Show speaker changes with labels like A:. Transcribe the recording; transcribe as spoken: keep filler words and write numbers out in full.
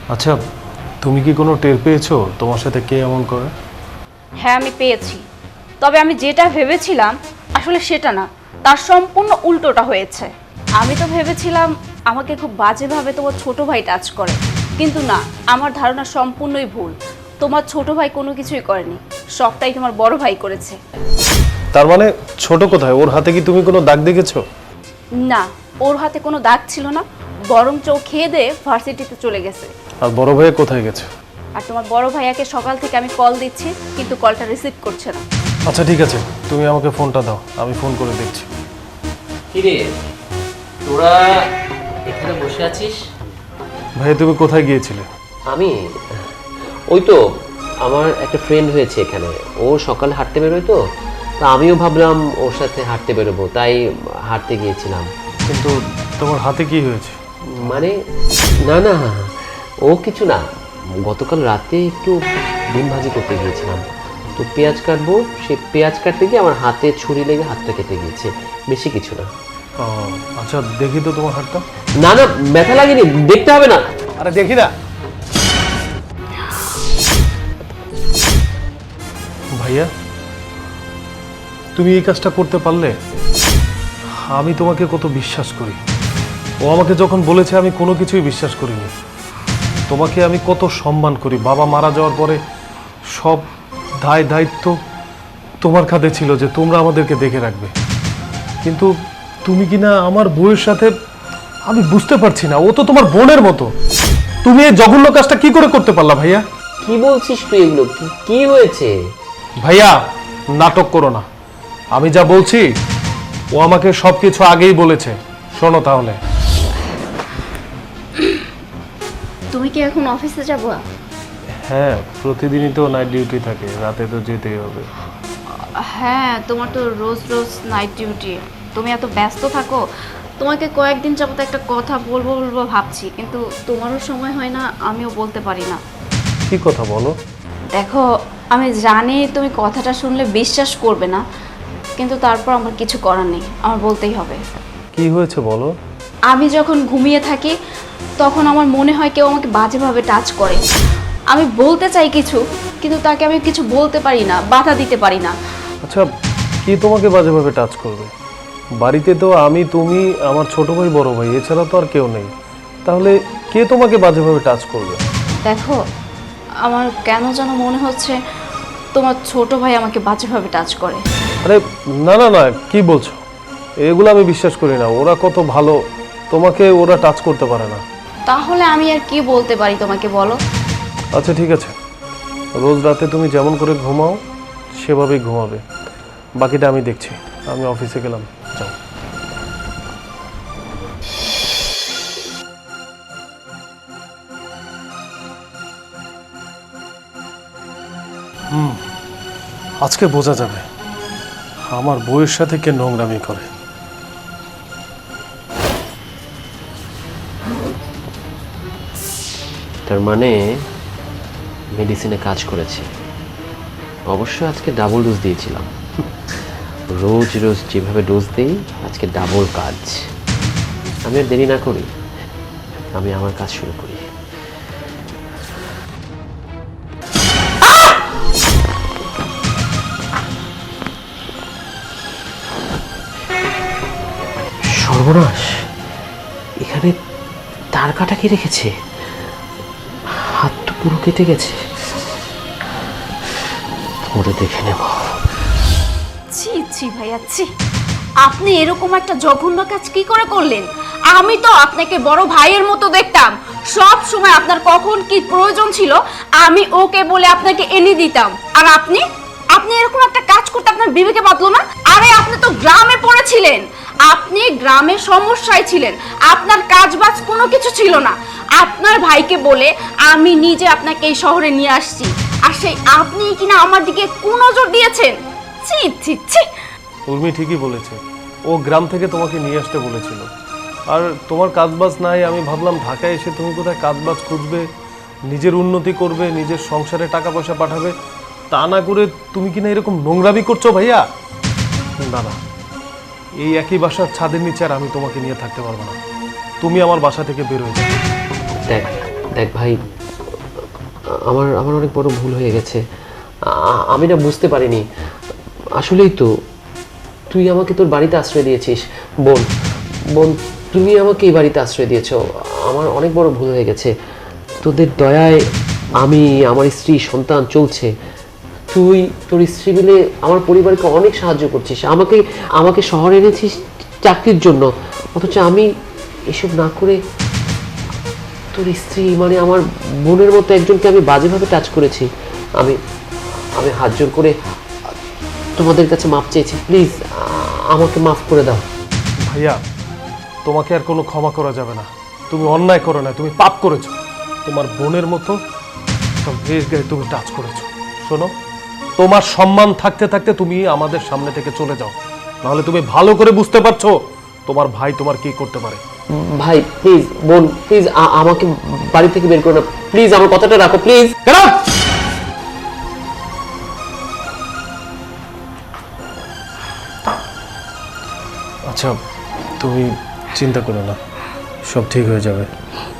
A: আচ্ছা, তুমি কি কোনো টের পেয়েছো তোমার সাথে কে এমন করে?
B: হ্যাঁ আমি পেয়েছি, তবে আমি যেটা ভেবেছিলাম আসলে সেটা না, তার সম্পূর্ণ উল্টোটা হয়েছে। আমি তো ভেবেছিলাম আমাকে খুব বাজেভাবে তোমার ছোট ভাই টাচ করে, কিন্তু না, আমার ধারণা সম্পূর্ণই ভুল। তোমার ছোট ভাই কোনো কিছুই করেনি, সবটাই তোমার বড় ভাই করেছে।
A: তার মানে ছোট কোথায়? ওর হাতে কি তুমি কোনো দাগ দেখেছো?
B: না, ওর হাতে কোনো দাগ ছিল না, বরং চোখ খেয়ে দিয়ে ভার্সিটিতে চলে গেছে।
A: আর বড় ভাইয়া কোথায় গেছে?
B: আর তোমার বড় ভাইয়াকে সকাল থেকে আমি কল দিচ্ছি, কিন্তু কলটা রিসিভ করছে না।
A: আচ্ছা ঠিক আছে, তুমি আমাকে ফোনটা দাও, আমি ফোন করে দেখছি।
C: কিরে তোরা এখানে বসে আছিস?
A: ভাইয়া তুমি কোথায় গিয়েছিলে?
C: আমি ওই তো আমার একটা ফ্রেন্ড হয়েছে এখানে, ও সকালে হাঁটতে বেরোয় তো, তা আমিও ভাবলাম ওর সাথে হাঁটতে বেরোবো, তাই হাঁটতে গিয়েছিলাম।
A: কিন্তু তোমার হাতে কি হয়েছে?
C: মানে না না, ও কিছু না, গতকাল রাতে একটু ডিম ভাজি করতে গিয়েছিলাম, তো পেঁয়াজ কাটবো, সে পেঁয়াজ কাটতে গিয়ে আমার হাতে ছুরি লেগে হাতটা কেটে গিয়েছে, বেশি কিছু না।
A: ও আচ্ছা, দেখি তো তোমার হাতটা।
C: না না, ব্যথা লাগেনি, দেখতে হবে না।
A: আরে দেখি না। ভাইয়া, তুমি এই কাজটা করতে পারলে? আমি তোমাকে কত বিশ্বাস করি। ও আমাকে যখন বলেছে আমি কোনো কিছুই বিশ্বাস করিনি। তোমাকে আমি কত সম্মান করি। বাবা মারা যাওয়ার পরে সব দায় দায়িত্ব তোমার কাঁধে ছিল যে তোমরা আমাদেরকে দেখে রাখবে, কিন্তু তুমি কি না আমার বউয়ের সাথে, আমি বুঝতে পারছি না, ও তো তোমার বোনের মতো। তুমি এই জঘন্য কাজটা কি করে করতে পারলা ভাইয়া?
C: কি বলছিস তুই এগুলো? কি কি হয়েছে?
A: ভাইয়া নাটক করো না, আমি যা বলছি ও আমাকে সবকিছু আগেই বলেছে। শোনো তাহলে।
B: তুমি কি এখন অফিসে যাবো?
A: হ্যাঁ, প্রতিদিনই তো নাইট ডিউটি থাকে, রাতে তো যেতেই হবে।
B: হ্যাঁ, তোমার তো রোজ রোজ নাইট ডিউটি, তুমি এত ব্যস্ত থাকো। তোমাকে কয়েকদিন যাবত একটা কথা বলবো বলবো ভাবছি, কিন্তু তোমারও সময় হয় না, আমিও বলতে পারি না।
A: কি কথা বলো?
B: দেখো, আমি জানি তুমি কথাটা শুনলে বিশ্বাস করবে না, কিন্তু তারপর আমার কিছু করার নেই, আমার বলতেই হবে।
A: কি হয়েছে বলো?
B: আমি যখন ঘুমিয়ে থাকি তখন আমার মনে হয় কেউ আমাকে বাজেভাবে টাচ করে। আমি বলতে চাই কিছু, কিন্তু তাকে আমি কিছু বলতে পারি না, বাধা দিতে পারি না।
A: আচ্ছা, কি তোমাকে বাজেভাবে টাচ করবে? বাড়িতে তো আমি, তুমি, আমার ছোট ভাই, বড় ভাই, এছাড়া তো আর কেউ নেই। তাহলে কে তোমাকে বাজেভাবে টাচ করবে?
B: দেখো, আমার কেন যেন মনে হচ্ছে তোমার ছোট ভাই আমাকে বাজেভাবে টাচ করে।
A: আরে না না না, কি বলছো? এগুলো আমি বিশ্বাস করি না। ওরা কত ভালো, তোমাকে ওরা টাচ করতে পারে না।
B: তাহলে আমি আর কি বলতে পারি তোমাকে, বলো?
A: আচ্ছা ঠিক আছে, রোজ রাতে তুমি যেমন করে ঘুমাও সেভাবেই ঘুমাবে, বাকিটা আমি দেখছি। আমি অফিসে গেলাম, যাও। হুম, আজকে বোঝা যাবে আমার বউয়ের সাথে কে নোংরামি করে।
C: তার মানে মেডিসিনে কাজ করেছে। অবশ্য আজকে ডাবল ডোজ দিয়েছিলাম, রোজ রোজ যেভাবে ডোজ দিই আজকে ডাবল কাজ। আমি আর দেরি না করি, আমি আমার কাজ শুরু করি। সর্বনাশ, এখানে তার কাটা কি রেখেছে? হাত তো পুরো কেটে গেছে, ওরে দেখে নেব।
B: ছি ছি ভাইয়া, ছি! আপনি এরকম একটা জঘন্য কাজ কি করে করলেন? আমি তো আপনাকে বড় ভাইয়ের মতো দেখতাম, সব সময় আপনার কখন কি প্রয়োজন ছিল আমি ওকে বলে আপনাকে এনে দিতাম। আর আপনি আপনি এরকম একটা কাজ করতে আপনার বিবেকে বাঁধলো না? আরে আপনি তো গ্রামে পড়েছিলেন, আপনি গ্রামে সমস্যায় ছিলেন, আপনার কাজবাজ কোনো কিছু ছিল না। আপনার ভাইকে বলে আমি নিজে আপনাকে এই শহরে নিয়ে আসছি, আর সেই আপনি কিনা আমার দিকে কোন নজর দিয়েছেন? ছি ছি ছি!
A: উর্মি ঠিকই বলেছে, ও গ্রাম থেকে তোমাকে নিয়ে আসতে বলেছিল। আর তোমার কাজবাজ নাই, আমি ভাবলাম ঢাকায় এসে তুমি কোথায় কাজবাজ খুঁজবে, নিজের উন্নতি করবে, নিজের সংসারে টাকা পয়সা পাঠাবে, তা না করে তুমি কিনা এরকম নোংরামি করছো ভাইয়া। না না, এই একই বাসার ছাদের নিচে আর আমি তোমাকে নিয়ে থাকতে পারবো না। তুমি আমার বাসা থেকে বের হয়ে যাও।
C: দেখ, দেখ ভাই, আমার আমার অনেক বড় ভুল হয়ে গেছে। আ- আমি না বুঝতে পারিনি। আসলেই তো তুই আমাকে তোর বাড়িতে আশ্রয় দিয়েছিস। বোন বোন তুমি আমাকে এই বাড়িতে আশ্রয় দিয়েছো। আমার অনেক বড় ভুল হয়ে গেছে। তোদের দয়ায় আমি, আমার স্ত্রী, সন্তান চলছে। তুই তোর স্ত্রী মিলে আমার পরিবারকে অনেক সাহায্য করছিস। আমাকে আমাকে শহরে এনেছিস চাকরির জন্য, অথচ আমি এসব না করে তোর স্ত্রী মানে আমার বোনের মতো একজনকে আমি বাজেভাবে টাচ করেছি। আমি আমি হাত জোর করে তোমাদের কাছে মাপ চেয়েছি। প্লিজ আমাকে মাফ করে দাও।
A: ভাইয়া, তোমাকে আর কোনো ক্ষমা করা যাবে না। তুমি অন্যায় করো না, তুমি পাপ করেছো। তোমার বোনের মতো একটা মেয়ের গায়ে তুমি টাচ করেছো। শোনো, তোমার সম্মান থাকতে থাকতে তুমি আমাদের সামনে থেকে চলে যাও, নাহলে তুমি ভালো করে বুঝতে পারছো তোমার ভাই তোমার কি করতে পারে।
C: ভাই প্লিজ, বোন প্লিজ আমাকে বাড়ি থেকে বের করো না প্লিজ, আমার কথাটা রাখো প্লিজ।
A: Get out! আচ্ছা, তুমি চিন্তা করো না, সব ঠিক হয়ে যাবে।